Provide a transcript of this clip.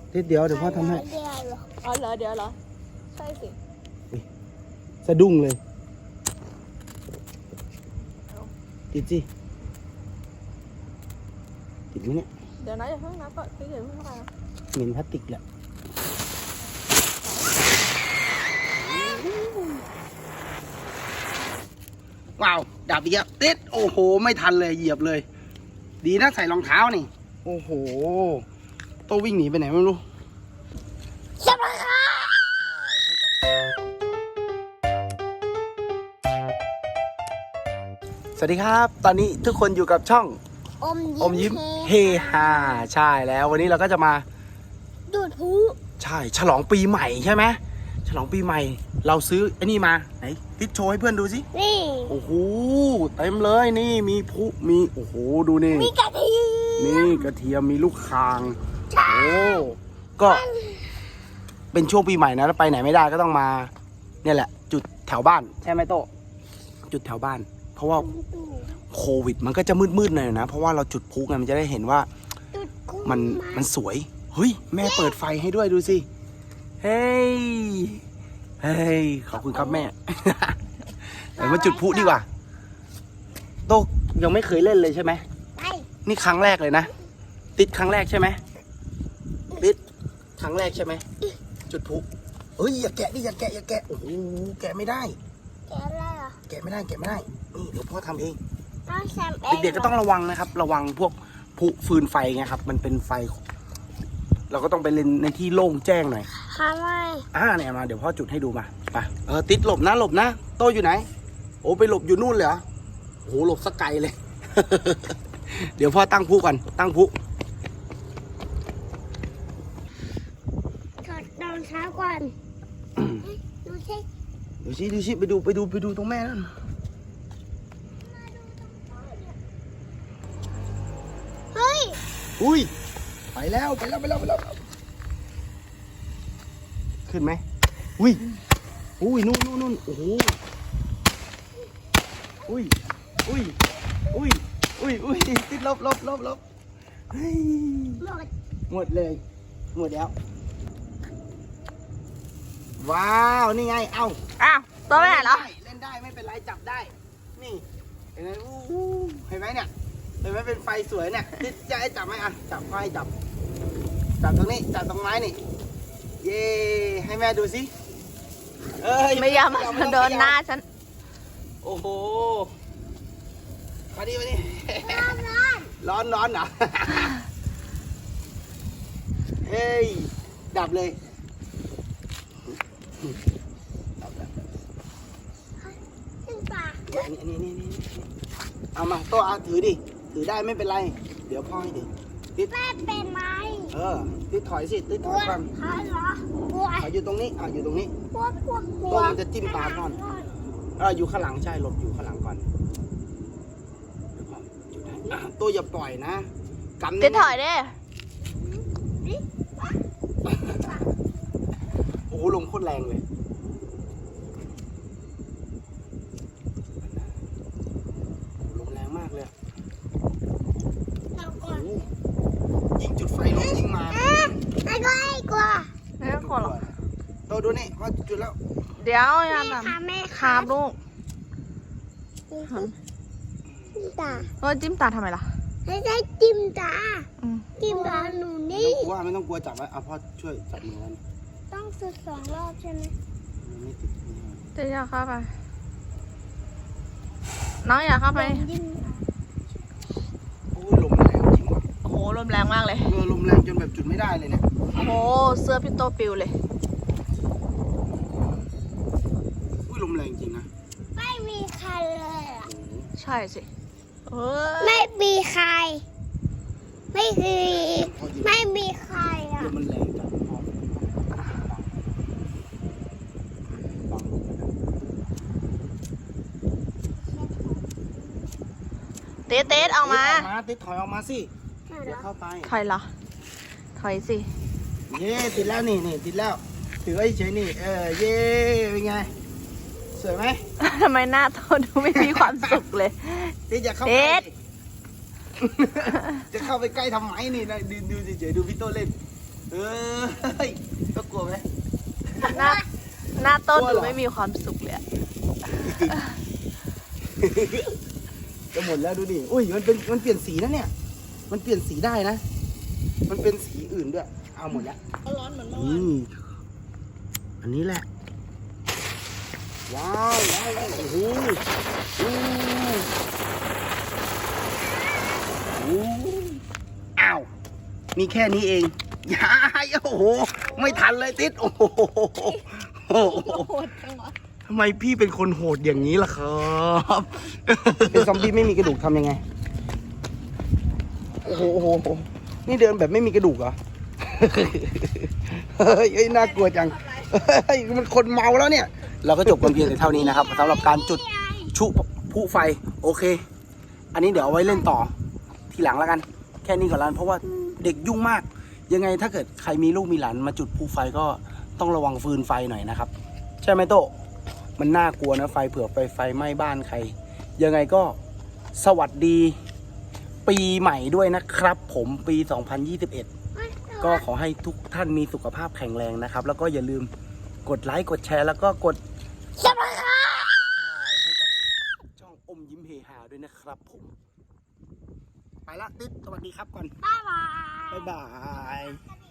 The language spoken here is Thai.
ติดเดี๋ยวพ่อทำให้อ๋อเหรอเดี๋ยวเหรอใช่สิสะดุ้งเลยติดสิติดไหมเนี่ยเดี๋ยวนะอย่าเพิ่งนับก่อนพี่เดี๋ยวเพิ่งเข้าไปเหม็นพลาสติกแหละว้าวดับอีกแล้วติดโอ้โหไม่ทันเลยเหยียบเลยดีนะใส่รองเท้านี่โอ้โหโตวิ่งหนีไปไหนไม่รู้จับเลยค่ะสวัสดีครับตอนนี้ทุกคนอยู่กับช่องอมยิ้มเฮฮาใช่แล้ววันนี้เราก็จะมาดูดพลุใช่ฉลองปีใหม่ใช่ไหมฉลองปีใหม่เราซื้อไอ้นี่มาไหนติดโชว์ให้เพื่อนดูสินี่โอ้โหเต็มเลยนี่มีพลุมีโอ้โหดูนี่มีกระเทียมนี่กระเทียมมีลูกคางโอ้ก็เป็นช่วงปีใหม่นะแล้วไปไหนไม่ได้ก็ต้องมาเนี่ยแหละจุดแถวบ้านใช่ไหมโตจุดแถวบ้านเพราะว่าโควิดมันก็จะมืดๆหน่อยนะเพราะว่าเราจุดพลุไงมันจะได้เห็นว่ามันสวยเฮ้ยแม่เปิดไฟให้ด้วยดูสิเฮ้ยเฮ้ยขอบคุณครับแม่เดี๋ยวมาจุดพลุดีกว่าโตยังไม่เคยเล่นเลยใช่ไหมนี่ครั้งแรกเลยนะติดครั้งแรกใช่ไหมติดครั้งแรกใช่ไหมจุดพลุเฮ้ยอย่าแกะดิอย่าแกะโอ้โหแกะไม่ได้แกะอะไรอ่ะแกะไม่ได้นี่เดี๋ยวพ่อทำเองต้องเด็กๆก็ต้องระวังนะครับระวังพวกพลุฟืนไฟไงครับมันเป็นไฟเราก็ต้องไปเล่นในที่โล่งแจ้งหน่อยค่ะไม่เนี่ยมาเดี๋ยวพ่อจุดให้ดูมาไปติดหลบนะโตอยู่ไหนโอ้ไปหลบอยู่นู่นเลยเหรอโอ้โหหลบสักไกลเลย เดี๋ยวพ่อตั้งพลุก่อนตั้งพลุถอดรองเท้าก่อนดูสิไปดูตรงแม่นั่นเฮ้ยอุ้ยไปแล้วขึ้นไหมอุ้ยนู่นโอ้โหอุ้ยติดลบเฮ้ยหมดเลยหมดแล้วว้าวนี่ไงอ้าวตัวแม่เหรอเล่นได้ไม่เป็นไรจับได้นี่เห็นไหมเห็นไหมเนี่ยเห็นไหมเป็นไฟสวยเนี่ยติดจะให้จับไหมจับไฟจับตรงนี้จับตรงไม้นี่เย่ให้แม่ดูสิไม่ยอมโดนหน้าฉันโอ้โหมาดิร้อนเหรอเฮ้ยดับเลยนี่เอามาโต๊ะถือดิถือได้ไม่เป็นไรเดี๋ยวพ่อให้ดิติดแม่เป็นไหมติดถอยสิติดถอยก่อนถอยอยู่ตรงนี้อยู่ตรงนี้โต๊ะมันจะจิ้มตาพ่ออยู่ข้างหลังใช่หลบอยู่ข้างหลังก่อนโต๊ะอย่าปล่อยนะกันติดถอยดิโอ้โหลมโคตรแรงเลยลมแรงมากเลยยิงจุดไฟลมยิงมาไม่กลัวหรอกโตดูนี่ว่าจุดแล้วเดี๋ยวยังแม่คาบลูกจิ้มตาทำไมล่ะไม่ได้จิ้มตาหนูนี่ไม่ต้องกลัวจับไว้พ่อช่วยจับมือมันต้องสุด2 รอบใช่ไหมจะอยากเข้าไปน้องอยากเข้าไปโอ้ลมแรงจริงว่ะโอ้โหลมแรงมากเลยลมแรงจนแบบจุดไม่ได้เลยเนี่ยโอ้โหเสื้อพี่โตปิวเลยลมแรงจริงนะไม่มีใครเลยใช่สิไม่มีใครไม่มีใครมันแรงจังเต๊ดออกมาติดถอยออกมาสิเดี๋ยวเข้าไปถอยเหรอถอยสิเย่ติดแล้วนี่ติดแล้วถือไว้เฉยนี่เย่เป็นไงสวยไหมทำไมหน้าโตดูไม่มีความสุขเลยติดอย่าเข้าไปจะเข้าไปใกล้ทำไมนี่นะดูเฉยดูพี่โตเล่นเฮ้ยก็กลัวไหมหน้าหน้าต้นกลัวดูเหรอไม่มีความสุขเลยอะจะหมดแล้วดูดิอุ้ยมันเปลี่ยนสีนะเนี่ย มันเปลี่ยนสีได้นะ มันเป็นสีอื่นด้วย เอาหมดแล้วก็ร้อนเหมือนเมื่ออืวานมอันนี้แหละ ว้าวว้าวโอ้โหโอ้โหอ้าว มีแค่นี้เองยายโอ้โห ไม่ทันเลยติด โอ้โหโหดจังวะทำไมพี่เป็นคนโหดอย่างนี้ล่ะครับ เป็นซอมบี้ไม่มีกระดูกทำยังไง โอ้โหโอ้โหโอ้โหนี่เดินแบบไม่มีกระดูกเหรอ เฮ้ยน่ากลัวจัง เฮ้ยมันคนเมาแล้วเนี่ย เราก็จบกันเพียงแต่เท่านี้นะครับสำหรับการจุดชุพลุไฟ โอเค อันนี้เดี๋ยวเอาไว้เล่นต่อทีหลังแล้วกัน แค่นี้ก่อนแล้วเพราะว่าเด็กยุ่งมาก ยังไงถ้าเกิดใครมีลูกมีหลานมาจุดพลุไฟก็ต้องระวังฟืนไฟหน่อยนะครับ ใช่ไหมโตะมันน่ากลัวนะไฟเผื่อไฟไหม้บ้านใคร ยังไงก็สวัสดีปีใหม่ด้วยนะครับ ผมปี 2021 ก็ขอให้ทุกท่านมีสุขภาพแข็งแรงนะครับ แล้วก็อย่าลืมกดไลค์กดแชร์แล้วก็กดซับสไครบ์ให้กับช่องอมยิ้มเฮฮาด้วยนะครับผม ไปละติ๊ดสวัสดีครับก่อนบ๊ายบายบ๊ายบาย